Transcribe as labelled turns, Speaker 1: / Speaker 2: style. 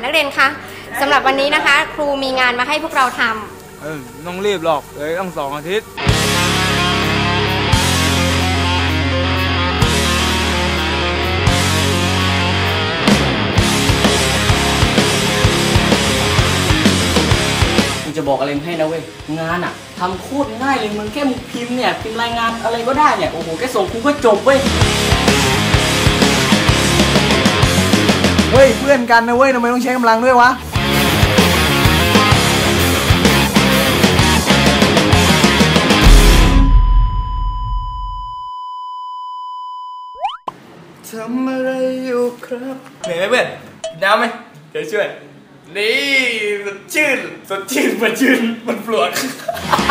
Speaker 1: นักเรียนคะสำหรับวันนี้นะคะครูมีงานมาให้พวกเราท
Speaker 2: ำต้องรีบหรอกเลยต้อง2 อาทิตย์
Speaker 3: จะบอกอะไรให้นะเว้ยงานอะทำโคตรง่ายเลยมึงแค่มึงพิมพ์เนี่ยพิมพ์รายงานอะไรก็ได้เนี่ยโอ้โหแค่ส่งครูก็จบเว้ย
Speaker 4: เพื่อนกันนะเว้ยทำไมต้องใช้กำลังด้วยวะทำอะไรอยู่ครับ
Speaker 2: เหนื่อยไหมเพื่อนน้ำไหมเดี๋ยวช่วยนี่สดชื่นมันปลวก